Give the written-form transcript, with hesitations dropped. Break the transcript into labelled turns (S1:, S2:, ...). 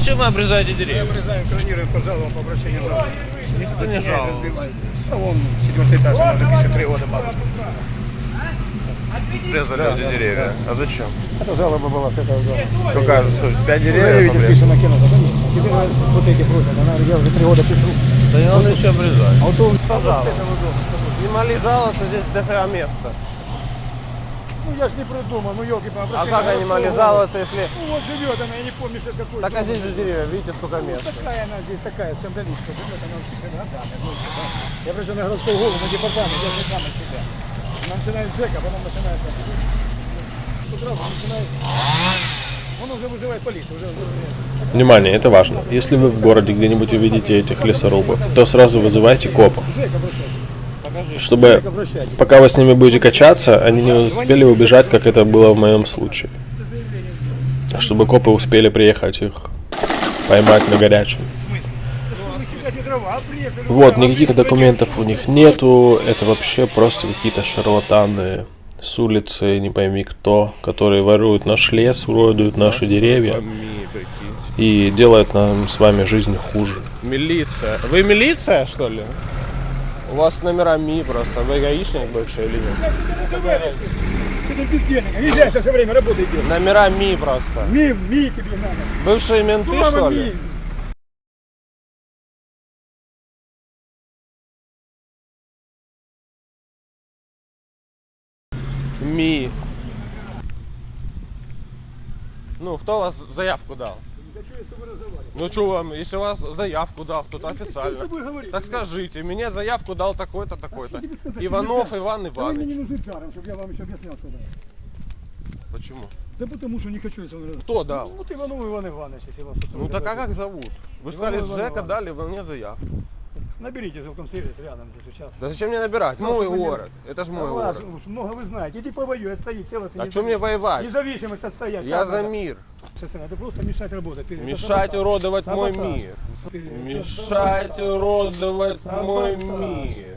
S1: зачем вы обрезаете деревья?
S2: Обрезаем, кронируем по жалобам, по обращению жалоб.
S1: Никто не жалует.
S2: А вон 4-й этаж, она уже 53 года бабушка.
S1: Обрезали эти деревья. А зачем?
S2: Это жалоба была с этого дома.
S1: Какая же, что, 5 деревьев
S2: Заявитель
S1: обрезали?
S2: пишет накинуто, да нет. Теперь вот эти просят, она я уже 3 года пишу.
S1: Да не надо еще обрезать.
S2: А вот он
S1: Пожалуйста.
S2: с этого дома.
S1: Не могли жаловаться, здесь дофига места.
S2: Ну я ж не придумал, ну елки по
S1: А как они могли жаловаться, если...
S2: Ну вот живет она, я не помню, что какой.
S1: Так а здесь же деревья, видите, сколько
S2: Ну,
S1: места.
S2: такая она здесь, такая скандалистка живет, она в 50 годами. Я пришел на городской голову, на департамент, я же сам от себя. Она начинает ЖЭКа, потом начинает... С утра начинает... Он уже вызывает полицию, уже...
S3: Внимание, это важно. Если вы в городе где-нибудь увидите этих лесорубов, то сразу вызывайте копов,
S2: ЖЭК обращается.
S3: чтобы пока вы с ними будете качаться, они не успели убежать, как это было в моем случае. Чтобы копы успели приехать их поймать на горячую. Вот, никаких документов у них нету, это вообще просто какие-то шарлатаны с улицы, не пойми кто, которые воруют наш лес, уродуют наши деревья и делают нам с вами жизнь хуже.
S1: Милиция. Вы милиция, что ли? У вас номера МИ просто. Вы гаишник бывший или нет?
S2: Ты бездельник, нельзя все время работать делать.
S1: Номера МИ просто.
S2: Ми тебе надо.
S1: Бывшие менты, что ли? МИ. Ну, кто вас заявку дал? Ну что вам, если вас заявку дал кто-то официально, так скажите, мне заявку дал такой-то, такой-то. Иванов Иван
S2: Вы мне не
S1: Иванович.
S2: нужны жаром, чтобы я вам еще объяснял, что да.
S1: Почему?
S2: Да потому что не хочу, если он...
S1: Кто дал?
S2: Ну, вот Иванов Иван Иванович, если вас...
S1: Ну так а как зовут? Вы же сказали,
S2: Иван
S1: Жека
S2: Иванович.
S1: дали вы мне заявку.
S2: Наберите жилком сервис рядом здесь участок.
S1: Да зачем мне набирать?
S2: Ну,
S1: Мой
S2: чтобы не-
S1: город. Это ж мой
S2: Ваш,
S1: город.
S2: уж много вы знаете. Иди повоюй, отстоит целостность.
S1: А что мне воевать?
S2: Независимость отстоять.
S1: Я за мир.
S2: Это просто мешать работать.
S1: Мешать уродовать мой
S2: Саботаж.
S1: мир. Мешать уродовать мой мир.